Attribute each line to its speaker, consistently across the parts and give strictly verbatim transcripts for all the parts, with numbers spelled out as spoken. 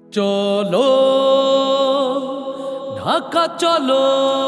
Speaker 1: চলো ঢাকা চলো,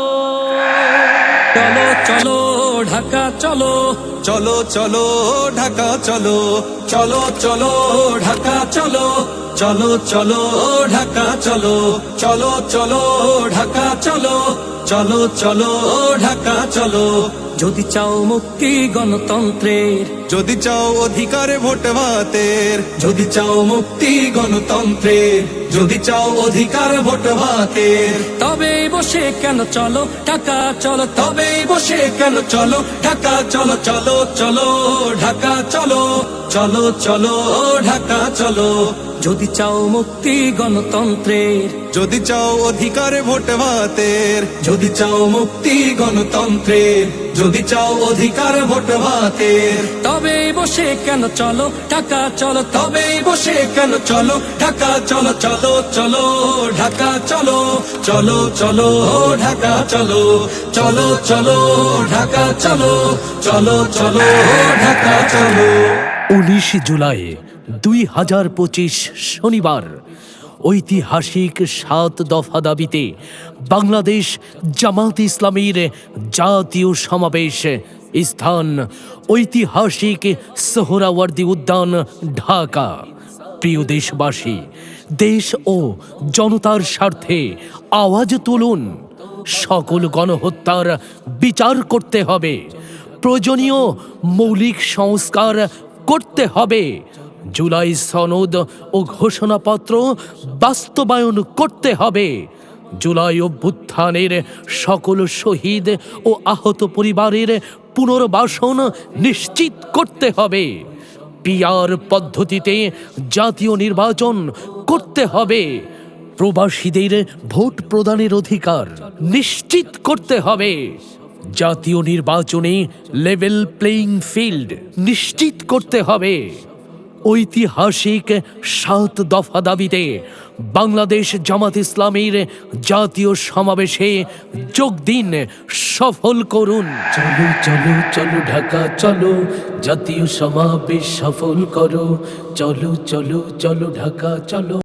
Speaker 2: চলো চলো ঢাকা চলো,
Speaker 3: চলো চলো ঢাকা চলো, চলো চলো ঢাকা চলো, চলো চলো ঢাকা চলো, চলো চলো ঢাকা চলো, চলো চলো ঢাকা চলো।
Speaker 2: যদি চাও মুক্তি গণতন্ত্রের,
Speaker 3: যদি চাও অধিকারে ভোট ভাতের, যদি চাও মুক্তি গণতন্ত্রের, যদি চাও অধিকার ভোট ভাতের,
Speaker 2: তবে বসে কেন চলো ঢাকা চলো,
Speaker 3: তবেই বসে কেন চলো ঢাকা চলো, চলো চলো ঢাকা চলো, চলো চলো ঢাকা চলো।
Speaker 2: যদি চাও মুক্তি গণতন্ত্রের,
Speaker 3: যদি চাও অধিকারে ভোট ভাতের, যদি চাও মুক্তি গণতন্ত্রের, যদি চাও অধিকার ভোট ভাতের,
Speaker 2: তবে বসে কেন চলো ঢাকা চলো,
Speaker 3: তবেই বসে কেন চলো ঢাকা চলো, চলো চলো ঢাকা চলো, চলো চলো ঢাকা চলো, চলো চলো ঢাকা চলো, চলো চলো ঢাকা চলো।
Speaker 1: উনিশ জুলাই দুই হাজার পঁচিশ শনিবার ঐতিহাসিক সাত দফা দাবিতে বাংলাদেশ জামাত ইসলামীর জাতীয় সমাবেশ, স্থান ঐতিহাসিক সোহরাওয়ার্দী উদ্যান, ঢাকা। প্রিয় দেশবাসী, দেশ ও জনতার স্বার্থে আওয়াজ তুলুন। সকল গণহত্যার বিচার করতে হবে, প্রয়োজনীয় মৌলিক সংস্কার করতে হবে, জুলাই সনদ ও ঘোষণাপত্র বাস্তবায়ন করতে হবে, জুলাই অভ্যুত্থানের সকল শহীদ ও আহত পরিবারের পুনর্বাসন নিশ্চিত করতে হবে, পিআর পদ্ধতিতে জাতীয় নির্বাচন করতে হবে, প্রবাসীদের ভোট প্রদানের অধিকার নিশ্চিত করতে হবে, জাতীয় নির্বাচনে লেভেল প্লেইং ফিল্ড নিশ্চিত করতে হবে। ঐতিহাসিক সাত দফা দাবিতে বাংলাদেশ জামাত ইসলামীর জাতীয় সমাবেশে যোগ দিন, সফল করুন। চলো চলো চলো ঢাকা চলো, জাতীয় সমাবেশ সফল করো, চলো চলো চলো ঢাকা চলো।